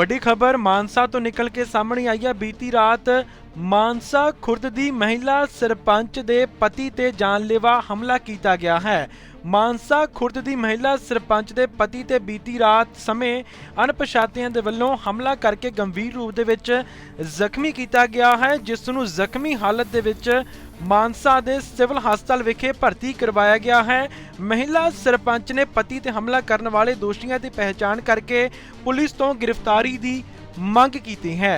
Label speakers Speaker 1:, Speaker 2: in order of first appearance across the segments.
Speaker 1: ਵੱਡੀ ਖਬਰ ਮਾਨਸਾ ਤੋਂ ਨਿਕਲ ਕੇ ਸਾਹਮਣੇ ਆਈ ਹੈ। ਬੀਤੀ ਰਾਤ ਮਾਨਸਾ ਖੁਰਦ ਦੀ ਮਹਿਲਾ ਸਰਪੰਚ ਦੇ ਪਤੀ ਤੇ ਜਾਨਲੇਵਾ ਹਮਲਾ ਕੀਤਾ ਗਿਆ ਹੈ। ਮਾਨਸਾ ਖੁਰਦ ਦੀ ਮਹਿਲਾ ਸਰਪੰਚ ਦੇ ਪਤੀ ਤੇ ਬੀਤੀ ਰਾਤ ਸਮੇਂ ਅਣਪਛਾਤਿਆਂ ਦੇ ਵੱਲੋਂ ਹਮਲਾ ਕਰਕੇ ਗੰਭੀਰ ਰੂਪ ਦੇ ਵਿੱਚ ਜ਼ਖਮੀ ਕੀਤਾ ਗਿਆ ਹੈ, ਜਿਸ ਨੂੰ ਜ਼ਖਮੀ ਹਾਲਤ ਦੇ ਵਿੱਚ ਮਾਨਸਾ ਦੇ ਸਿਵਲ ਹਸਪਤਾਲ ਵਿਖੇ ਭਰਤੀ ਕਰਵਾਇਆ ਗਿਆ ਹੈ। ਮਹਿਲਾ ਸਰਪੰਚ ਨੇ ਪਤੀ ਤੇ ਹਮਲਾ ਕਰਨ ਵਾਲੇ ਦੋਸ਼ੀਆਂ ਦੀ ਪਹਿਚਾਣ ਕਰਕੇ ਪੁਲਿਸ ਤੋਂ ਗ੍ਰਿਫਤਾਰੀ ਦੀ ਮੰਗ ਕੀਤੀ ਹੈ।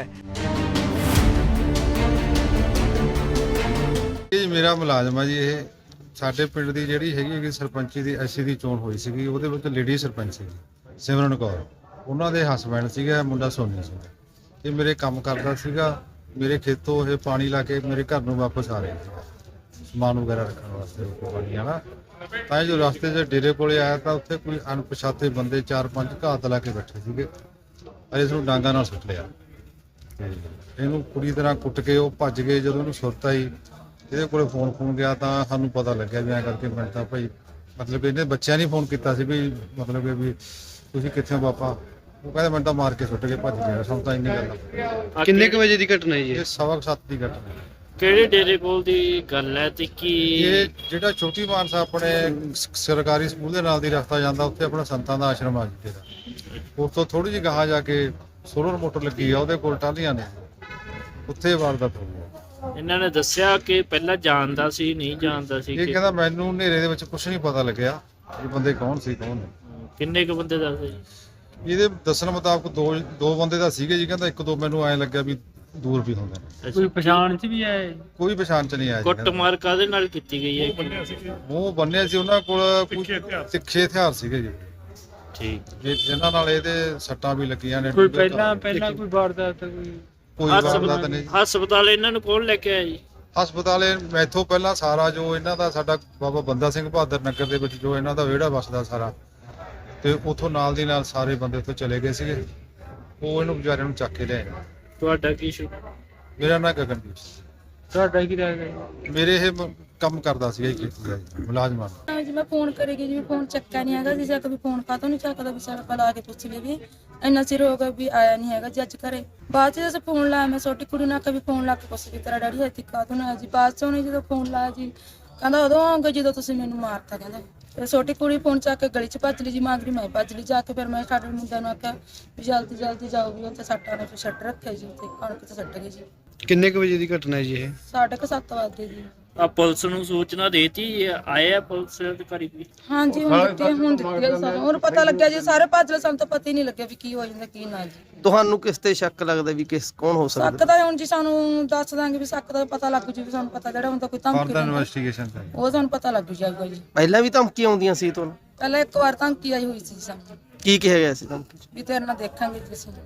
Speaker 2: ਇਹ ਮੇਰਾ ਮੁਲਾਜ਼ਮ ਆ ਜੀ। ਇਹ ਸਾਡੇ ਪਿੰਡ ਦੀ ਜਿਹੜੀ ਹੈਗੀ ਸਰਪੰਚੀ ਦੀ ਐਸਸੀ ਦੀ ਚੋਣ ਹੋਈ ਸੀਗੀ, ਉਹਦੇ ਵਿੱਚ ਲੇਡੀ ਸਰਪੰਚ ਸੀਗੀ ਸਿਮਰਨ ਕੌਰ, ਉਹਨਾਂ ਦੇ ਹਸਬੈਂਡ ਸੀਗਾ ਮੁੰਡਾ ਸੋਨੀ ਸਿੰਘ। ਇਹ ਮੇਰੇ ਕੰਮ ਕਰਦਾ ਸੀਗਾ, ਮੇਰੇ ਖੇਤੋਂ ਇਹ ਪਾਣੀ ਲਾ ਕੇ ਮੇਰੇ ਘਰ ਨੂੰ ਵਾਪਸ ਆ ਰਹੇ ਸੀ ਸਮਾਨ ਵਗੈਰਾ ਰੱਖਣ ਵਾਸਤੇ ਪਾਣੀ ਵਾਲਾ। ਤਾਂ ਜੋ ਰਸਤੇ 'ਚ ਡੇਰੇ ਕੋਲੇ ਆਇਆ ਤਾਂ ਉੱਥੇ ਕੋਈ ਅਣਪਛਾਤੇ ਬੰਦੇ 4-5 ਘਾਤ ਲਾ ਕੇ ਬੈਠੇ ਸੀਗੇ, ਅਰੇ ਇਸ ਨੂੰ ਡਾਂਗਾ ਨਾਲ ਸੁੱਟ ਲਿਆ ਤੇ ਇਹਨੂੰ ਪੂਰੀ ਤਰ੍ਹਾਂ ਕੁੱਟ ਕੇ ਉਹ ਭੱਜ ਗਏ। ਜਦੋਂ ਉਹਨੂੰ ਸੁਰਤ ਆਈ, ਇਹਦੇ ਕੋਲੇ ਫੋਨ ਗਿਆ ਤਾਂ ਸਾਨੂੰ ਪਤਾ ਲੱਗਿਆ ਵੀ ਐਂ ਕਰਕੇ ਮੈਂ ਤਾਂ ਭਾਈ ਮਤਲਬ ਇਹਨੇ ਬੱਚਿਆਂ ਨੇ ਫੋਨ ਕੀਤਾ ਸੀ ਵੀ ਮਤਲਬ ਵੀ ਤੁਸੀਂ ਕਿੱਥੇ ਹੋ ਪਾਪਾ। ਉਹ ਕਹਿੰਦੇ ਮੈਨੂੰ ਤਾਂ ਮਾਰ ਕੇ ਸੁੱਟ ਕੇ ਭੱਜ ਗਿਆ। ਸਾਨੂੰ ਤਾਂ ਇੰਨੀ ਗੱਲ।
Speaker 3: ਕਿੰਨੇ ਕੁ ਵਜੇ ਦੀ ਘਟਨਾ ਹੈ ਜੀ?
Speaker 2: ਇਹ 7:15 ਦੀ ਘਟਨਾ।
Speaker 3: ਕਿਹੜੇ ਡੇਰੇ ਕੋਲ ਦੀ ਗੱਲ ਹੈ ਤੇ ਕੀ
Speaker 2: ਇਹ ਜਿਹੜਾ ਛੋਟੀ ਮਾਨਸਾ ਆਪਣੇ ਸਰਕਾਰੀ ਸਕੂਲ ਦੇ ਨਾਲ ਦੀ ਰਸਤਾ ਜਾਂਦਾ, ਉੱਥੇ ਆਪਣਾ ਸੰਤਾਂ ਦਾ ਆਸ਼ਰਮ ਆ ਜੀ ਤੇਰਾ। ਉਸ ਤੋਂ ਥੋੜੀ ਜਿਹੀ ਗਾਹਾਂ ਜਾ ਕੇ ਸੋਲਰ ਮੋਟਰ ਲੱਗੀ ਆ, ਉਹਦੇ ਕੋਲ ਟਾਹਲੀਆਂ ਨੇ, ਉੱਥੇ ਵਾਰਦਾਤ ਹੋਈ।
Speaker 3: ਇਹਨਾਂ ਨੇ ਦੱਸਿਆ ਕਿ ਪਹਿਲਾਂ ਜਾਣਦਾ ਸੀ ਨਹੀਂ ਜਾਣਦਾ ਸੀ?
Speaker 2: ਇਹ ਕਹਿੰਦਾ ਮੈਨੂੰ ਹਨੇਰੇ ਦੇ ਵਿੱਚ ਕੁਝ ਨਹੀਂ ਪਤਾ ਲੱਗਿਆ ਇਹ ਬੰਦੇ ਕੌਣ ਸੀ ਕੌਣ ਨਹੀਂ।
Speaker 3: ਕਿੰਨੇ ਕੁ ਬੰਦੇ ਦੱਸਦੇ ਜੀ?
Speaker 2: ਇਹਦੇ ਦੱਸਣ ਮੁਤਾਬਕ ਦੋ ਬੰਦੇ ਦਾ ਸੀਗੇ ਜੀ। ਕਹਿੰਦਾ ਇੱਕ ਦੋ ਮੈਨੂੰ ਐਂ ਲੱਗਿਆ ਵੀ ਦੂਰ ਵੀ ਹੁੰਦੇ ਨੇ।
Speaker 3: ਕੋਈ ਪਛਾਣ ਚ ਵੀ ਆਏ?
Speaker 2: ਕੋਈ ਪਛਾਣ ਚ ਨਹੀਂ ਆਇਆ।
Speaker 3: ਕੁੱਟਮਾਰ ਕਾਹਦੇ ਨਾਲ ਕੀਤੀ ਗਈ ਹੈ?
Speaker 2: ਮੂੰਹ ਬੰਨਿਆ ਸੀ, ਉਹਨਾਂ ਕੋਲ ਤਿੱਖੇ ਹਥਿਆਰ ਸੀਗੇ ਜੀ।
Speaker 3: ਠੀਕ।
Speaker 2: ਜਿਨ੍ਹਾਂ ਨਾਲ ਇਹਦੇ ਸੱਟਾਂ ਵੀ ਲੱਗੀਆਂ ਨੇ।
Speaker 3: ਕੋਈ ਪਹਿਲਾਂ ਕੋਈ ਵਾਰਦਾਤ
Speaker 2: ਕੋਈ ਵਾਰਦਾਤ ਨਹੀਂ।
Speaker 3: ਹਸਪਤਾਲ ਇਹਨਾਂ ਨੂੰ ਕੌਣ ਲੈ ਕੇ ਆਇਆ ਜੀ?
Speaker 2: ਹਸਪਤਾਲੇ ਮੈਥੋਂ ਪਹਿਲਾਂ ਸਾਰਾ ਜੋ ਇਹਨਾਂ ਦਾ ਸਾਡਾ ਬਾਬਾ ਬੰਦਾ ਸਿੰਘ ਬਹਾਦਰ ਨਗਰ ਦੇ ਵਿੱਚ ਜੋ ਇਹਨਾਂ ਦਾ ਵਿਹੜਾ ਵਸਦਾ ਸਾਰਾ, ਤੇ ਉਥੋਂ ਨਾਲ ਦੀ ਨਾਲ ਸਾਰੇ ਬੰਦੇ ਉੱਥੋਂ ਚਲੇ ਗਏ ਸੀਗੇ। ਉਹ ਇਹਨੂੰ ਵਿਚਾਰਿਆਂ ਨੂੰ ਚੱਕ ਕੇ ਲਿਆਏ।
Speaker 3: ਤੁਹਾਡਾ ਕੀ ਸ਼ੁ?
Speaker 2: ਮੇਰਾ ਨਾਂ ਗਗਨਦੀਪ।
Speaker 3: ਤੁਹਾਡਾ ਕੀ ਲੱਗਦਾ?
Speaker 2: ਮੇਰੇ ਇਹ ਕੰਮ ਕਰਦਾ ਸੀਗਾ ਜੀ, ਖੇਤੀ ਦਾ ਮੁਲਾਜ਼ਮਾਂ ਦਾ
Speaker 4: ਜੀ। ਮੈਂ ਫੋਨ ਕਰੇਗੀ ਜੀ, ਫੋਨ ਚੱਕਿਆ ਨਹੀਂ ਹੈਗਾ ਜੀ। ਕभी ਫੋਨ ਕਾਤੋਂ ਨਹੀਂ ਚੱਕਦਾ ਵੀ ਸਾਡਾ ਪਲਾ ਕੇ ਪੁੱਛ ਲਈ ਵੀ ਇੰਨਾ ਚਿਰ ਹੋ ਗਿਆ ਵੀ ਆਇਆ ਨਹੀਂ ਹੈਗਾ ਜੀ ਅੱਜ ਘਰੇ। ਬਾਅਦ ਚ ਜਦੋਂ ਫੋਨ ਲਾਇਆ ਮੈਂ ਛੋਟੀ ਕੁੜੀ ਨਾਲ ਕभी ਫੋਨ ਲਾ ਕੇ ਪੁੱਛ ਲਈ ਤੇਰਾ ਡੈਡੀ ਹੱਥੀ ਕਾਤੋਂ ਨਾ ਜੀ। ਬਾਅਦ ਚ ਉਹਨੇ ਜਦੋਂ ਫੋਨ ਲਾਇਆ ਜੀ ਕਹਿੰਦਾ ਉਦੋਂ ਆਉਂਗਾ ਜਦੋਂ ਤੁਸੀਂ ਮੈਨੂੰ ਮਾਰਤਾ ਕਹਿੰਦਾ। ਤੇ ਛੋਟੀ ਕੁੜੀ ਫੋਨ ਚੱਕ ਕੇ ਗਲੀ ਚ ਭੱਜ ਲਈ ਜੀ, ਮਾਗਰੀ ਮੈਂ ਭੱਜ ਲਈ ਜਾ ਕੇ। ਫਿਰ ਮੈਂ ਸਾਡੇ ਮੁੰਡਿਆਂ ਨੂੰ ਆਖਿਆ ਵੀ ਜਲਦੀ ਜਲਦੀ ਜਾਓ ਵੀ ਉੱਥੇ ਸੱਟਾਂ ਨੇ। ਫਿਰ ਛੱਡ ਰੱਖਿਆ ਜੀ, ਉੱਥੇ ਕਣਕ ਤੇ ਛੱਡ ਗਏ ਜੀ।
Speaker 3: ਕਿੰਨੇ ਕੁ ਵਜੇ ਦੀ ਘਟਨਾ ਹੈ ਜੀ ਇਹ?
Speaker 4: 7:30 ਵਜੇ ਜੀ।
Speaker 3: ਆ ਪੁਲਿਸ ਨੂੰ ਸੂਚਨਾ ਦੇਤੀ? ਆਏ ਆ ਪੁਲਿਸ ਅਧਿਕਾਰੀ ਵੀ?
Speaker 4: ਹਾਂਜੀ ਹੁਣ ਦਿੱਤੀ ਹੈ ਸਾਨੂੰ। ਹੁਣ ਪਤਾ ਲੱਗਿਆ ਜੀ, ਸਾਰੇ ਭੱਜ ਲਏ, ਸਾਨੂੰ ਤਾਂ ਪਤਾ ਹੀ ਨਹੀਂ ਲੱਗਿਆ ਵੀ ਕੀ ਹੋ ਜਾਂਦਾ ਕੀ ਨਾ ਜੀ।
Speaker 5: ਤੁਹਾਨੂੰ ਕਿਸ ਤੇ ਸ਼ੱਕ ਲੱਗਦਾ ਵੀ ਕੌਣ ਹੋ ਸਕਦਾ?
Speaker 4: ਸ਼ੱਕ ਦਾ ਹੁਣ ਜੀ ਸਾਨੂੰ ਦੱਸ ਦਾਂਗੇ ਵੀ ਸ਼ੱਕ ਦਾ ਪਤਾ ਲੱਗ ਜੂ ਵੀ ਸਾਨੂੰ ਪਤਾ ਜਿਹੜਾ ਹੁੰਦਾ ਕੋਈ ਧਮਕੀ
Speaker 2: ਫਰਦਰ ਇਨਵੈਸਟੀਗੇਸ਼ਨ ਦਾ
Speaker 4: ਉਹ ਸਾਨੂੰ ਪਤਾ ਲੱਗ ਜਾਊਗਾ ਜੀ।
Speaker 5: ਪਹਿਲਾਂ ਵੀ ਧਮਕੀਆਂ ਆਉਂਦੀਆਂ ਸੀ ਤੁਹਾਨੂੰ?
Speaker 4: ਪਹਿਲਾਂ ਇੱਕ ਵਾਰ ਧਮਕੀ ਆਈ ਹੋਈ ਸੀ ਸਾਨੂੰ
Speaker 5: ਕੀ ਕਿਹਾ ਗਿਆ ਸੀ ਧਮਕੀ 'ਚ?
Speaker 4: ਵੀ ਤੇਰੇ ਨਾਲ ਦੇਖਾਂਗੇ ਜੀ ਅਸੀਂ।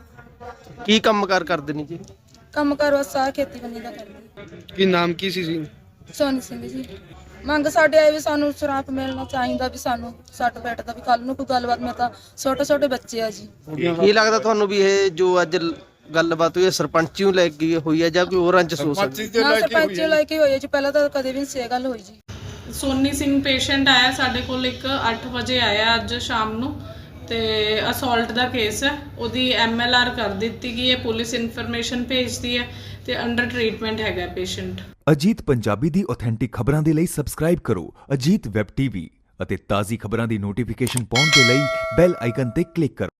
Speaker 5: ਕੀ ਕੰਮਕਾਰ ਕਰਦੇ ਨੇ ਜੀ?
Speaker 4: ਕੰਮ ਕਰ ਬਸ ਆ ਖੇਤੀਬਾੜੀ ਦਾ ਕਰਦੇ।
Speaker 3: ਕੀ ਨਾਮ ਕੀ ਸੀ?
Speaker 4: ਸੋਨੀ ਸਿੰਘ ਜੀ। ਮੰਗ ਸਾਡੇ ਆਏ ਵੀ ਸਾਨੂੰ ਸ਼ਰਾਪ ਮਿਲਣਾ ਚਾਹੀਦਾ ਵੀ ਸਾਨੂੰ ਸੱਟ ਬੈਠ ਦਾ ਵੀ ਕੱਲ ਨੂੰ ਕੋਈ ਗੱਲਬਾਤ। ਮੈਂ ਤਾਂ ਛੋਟੇ ਬੱਚੇ ਆ ਜੀ।
Speaker 5: ਕੀ ਲੱਗਦਾ ਤੁਹਾਨੂੰ ਵੀ ਇਹ ਜੋ ਅੱਜ ਗੱਲਬਾਤ ਹੋਈ ਹੈ ਸਰਪੰਚੀ ਨੂੰ ਲੈ ਕੇ ਹੋਈ ਹੈ ਜਾਂ ਕੋਈ ਹੋਰ ਰੰਜਿਸ਼ ਹੋ ਸਕਦੀ?
Speaker 4: ਨਾ ਸਰਪੰਚ ਲੈ ਕੇ ਹੋਈ ਹੈ ਜੀ, ਪਹਿਲਾਂ ਤਾਂ ਕਦੇ ਵੀ ਨਹੀਂ ਸੀ ਗੱਲ ਹੋਈ ਜੀ।
Speaker 6: ਸੋਨੀ ਸਿੰਘ ਪੇਸ਼ੈਂਟ ਆਇਆ ਸਾਡੇ ਕੋਲ, ਇੱਕ 8 ਵਜੇ ਆਇਆ ਅੱਜ ਸ਼ਾਮ ਨੂੰ, ਤੇ ਅਸੌਲਟ ਦਾ ਕੇਸ ਹੈ। ਉਹਦੀ MLR ਕਰ ਦਿੱਤੀ ਗਈ ਹੈ, ਪੁਲਿਸ ਇਨਫੋਰਮੇਸ਼ਨ ਭੇਜਦੀ ਹੈ ਤੇ ਅੰਡਰ ਟ੍ਰੀਟਮੈਂਟ ਹੈਗਾ ਪੇਸ਼ੈਂਟ।
Speaker 7: ਅਜੀਤ ਪੰਜਾਬੀ ਦੀ ਆਥੈਂਟਿਕ ਖਬਰਾਂ ਦੇ ਲਈ ਸਬਸਕ੍ਰਾਈਬ ਕਰੋ ਅਜੀਤ ਵੈਬ ਟੀਵੀ ਅਤੇ ਤਾਜ਼ੀ ਖਬਰਾਂ ਦੀ ਨੋਟੀਫਿਕੇਸ਼ਨ ਪਾਉਣ ਦੇ ਲਈ ਬੈਲ ਆਈਕਨ ਤੇ ਕਲਿੱਕ ਕਰੋ।